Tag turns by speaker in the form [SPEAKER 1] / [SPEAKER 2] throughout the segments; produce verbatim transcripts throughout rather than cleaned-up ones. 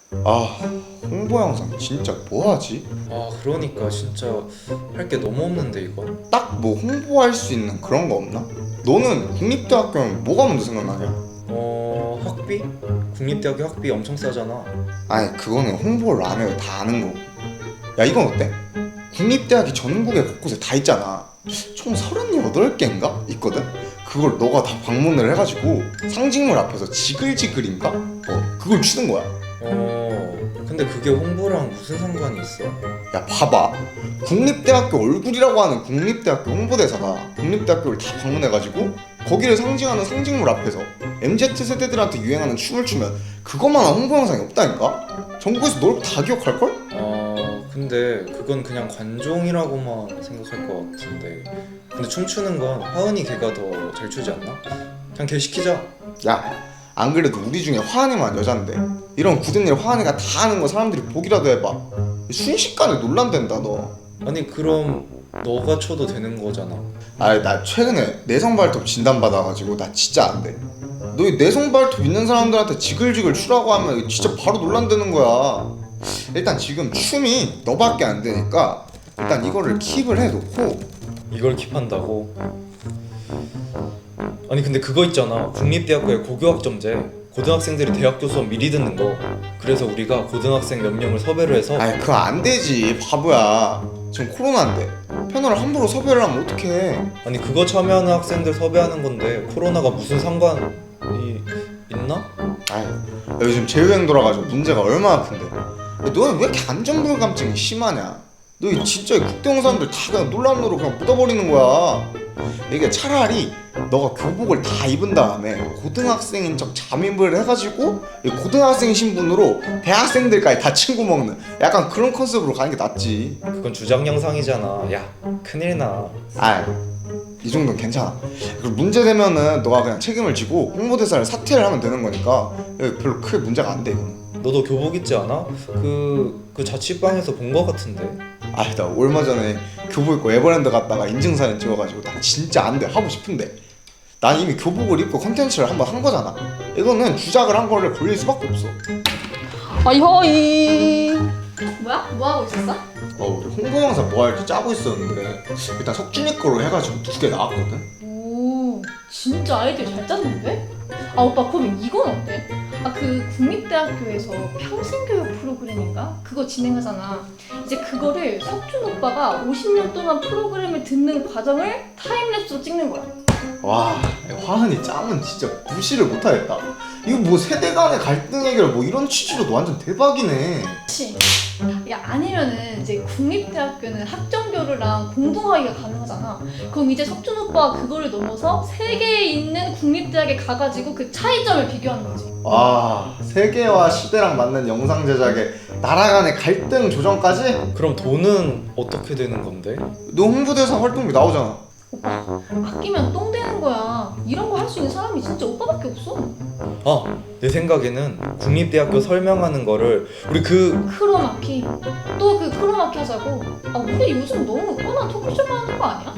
[SPEAKER 1] 아, 홍보 영상 진짜 뭐하지?
[SPEAKER 2] 아 그러니까 진짜 할 게 너무 없는데 이거.
[SPEAKER 1] 딱 뭐 홍보할 수 있는 그런 거 없나? 너는 국립대학교면 뭐가 먼저 생각나냐?
[SPEAKER 2] 어 학비? 국립대학교 학비 엄청 싸잖아.
[SPEAKER 1] 아니 그거는 홍보를 안 해도 다 아는 거고. 야 이건 어때? 국립대학이 전국에 곳곳에 다 있잖아. 총 서른여덟 개인가? 있거든? 그걸 너가 다 방문을 해가지고 상징물 앞에서 지글지글인가? 어 그걸 주는 거야.
[SPEAKER 2] 어 근데 그게 홍보랑 무슨 상관이 있어?
[SPEAKER 1] 야 봐봐, 국립대학교 얼굴이라고 하는 국립대학교 홍보대사가 국립대학교를 다 방문해가지고 거기를 상징하는 상징물 앞에서 엠지 세대들한테 유행하는 춤을 추면 그것만한 홍보 영상이 없다니까? 전국에서 널 다 기억할걸?
[SPEAKER 2] 어 근데 그건 그냥 관종이라고만 생각할 것 같은데. 근데 춤추는 건 하은이 걔가 더 잘 추지 않나? 그냥 걔 시키자.
[SPEAKER 1] 야 안 그래도 우리 중에 화한이만 여잔데 이런 굳은 일 화한이가 다 하는 거 사람들이 보기라도 해봐. 순식간에 논란된다 너.
[SPEAKER 2] 아니 그럼 너가 쳐도 되는 거잖아.
[SPEAKER 1] 아니 나 최근에 내성 발톱 진단 받아가지고 나 진짜 안 돼. 너 이 내성 발톱 있는 사람들한테 지글지글 추라고 하면 진짜 바로 논란되는 거야. 일단 지금 춤이 너밖에 안 되니까 일단 이거를 킵을 해놓고.
[SPEAKER 2] 이걸 킵한다고? 아니 근데 그거 있잖아, 국립대학교의 고교학점제. 고등학생들이 대학교 수업 미리 듣는 거. 그래서 우리가 고등학생 몇 명을 섭외를 해서.
[SPEAKER 1] 아이 그거 안 되지 바보야. 지금 코로나인데 패널을 함부로 섭외를 하면 어떡해.
[SPEAKER 2] 아니 그거 참여하는 학생들 섭외하는 건데 코로나가 무슨 상관이 있나?
[SPEAKER 1] 아이 요즘 재유행 돌아가지고 문제가 얼마나 큰데. 너는 왜 이렇게 안전불감증이 심하냐? 너 진짜 이 국대원 사람들 다 그냥 논란으로 그냥 묻어버리는 거야. 이게 차라리 너가 교복을 다 입은 다음에 고등학생인 척 잠입을 해가지고 이 고등학생 신분으로 대학생들까지 다 친구 먹는 약간 그런 컨셉으로 가는 게 낫지.
[SPEAKER 2] 그건 주작 영상이잖아. 야 큰일 나.
[SPEAKER 1] 아, 이 정도는 괜찮아. 그리고 문제 되면은 너가 그냥 책임을 지고 홍보대사를 사퇴를 하면 되는 거니까 별로 크게 문제가 안 돼 이거는.
[SPEAKER 2] 너도 교복 있지 않아? 그, 그 자취방에서 본 거 같은데.
[SPEAKER 1] 아니 나 얼마 전에 교복 입고 에버랜드 갔다가 인증사진 찍어가지고 나 진짜 안 돼 하고 싶은데 난 이미 교복을 입고 컨텐츠를 한번 한 거잖아. 이거는 주작을 한 거를 걸릴 수밖에 없어.
[SPEAKER 3] 아이허이. 뭐야? 뭐 하고 있었어?
[SPEAKER 1] 어 우리 홍보 영상 뭐 할지 짜고 있었는데 일단 석준이 거로 해가지고 두 개 나왔거든.
[SPEAKER 3] 오, 진짜 아이디어 잘 짰는데? 아 오빠 그럼 이건 어때? 아 그 국립대학교에서 평생교육 프로그램인가? 그거 진행하잖아. 이제 그거를 석준 오빠가 오십 년 동안 프로그램을 듣는 과정을 타임랩스로 찍는 거야.
[SPEAKER 1] 와 화은이 짱은 진짜 무시를 못하겠다. 이거 뭐 세대 간의 갈등 해결 뭐 이런 취지로도 완전 대박이네.
[SPEAKER 3] 그치? 야 아니면은 이제 국립대학교는 학점교류랑 공동학위가 가능하잖아. 그럼 이제 석준 오빠가 그거를 넘어서 세계에 있는 국립대학에 가가지고 그 차이점을 비교하는 거지.
[SPEAKER 1] 와 세계와 시대랑 맞는 영상 제작에 나라 간의 갈등 조정까지?
[SPEAKER 2] 그럼 돈은 어떻게 되는 건데?
[SPEAKER 1] 너 홍보대사 활동비 나오잖아.
[SPEAKER 3] 오빠 아끼면 똥 되는 거야. 이런 거 할 수 있는 사람이 진짜 오빠밖에 없어.
[SPEAKER 2] 아, 내 생각에는 국립대학교 설명하는 거를 우리 그
[SPEAKER 3] 크로마키 또 그 크로마키 하자고. 아 우리 요즘 너무 뻔한 토크쇼만 하는 거 아니야?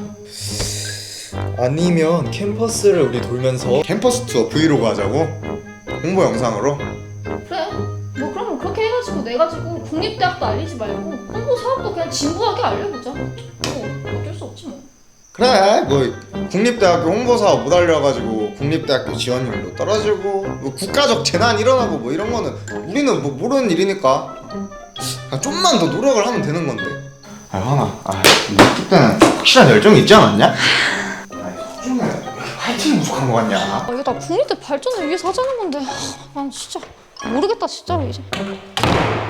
[SPEAKER 2] 아니면 캠퍼스를 우리 돌면서.
[SPEAKER 1] 캠퍼스 투어 브이로그 하자고? 홍보 영상으로?
[SPEAKER 3] 그래 뭐 그러면 그렇게 해가지고 내가지고 국립대학도 알리지 말고 홍보 사업도 그냥 진부하게 알려보자. 뭐 어쩔 수 없지 뭐.
[SPEAKER 1] 그래 뭐 국립대학교 홍보사업 못 알려가지고 국립대학교 지원율도 떨어지고 뭐 국가적 재난 일어나고 뭐 이런 거는 우리는 뭐 모르는 일이니까 그냥 좀만 더 노력을 하면 되는 건데. 아 하나 아 그때는 확실한 열정이 있지 않았냐? 아니 소중해 왜 이렇게 화이팅 부족한 거 같냐?
[SPEAKER 3] 아 이거 다 국립대 발전을 위해서 하자는 건데 난 진짜 모르겠다 진짜로 이제.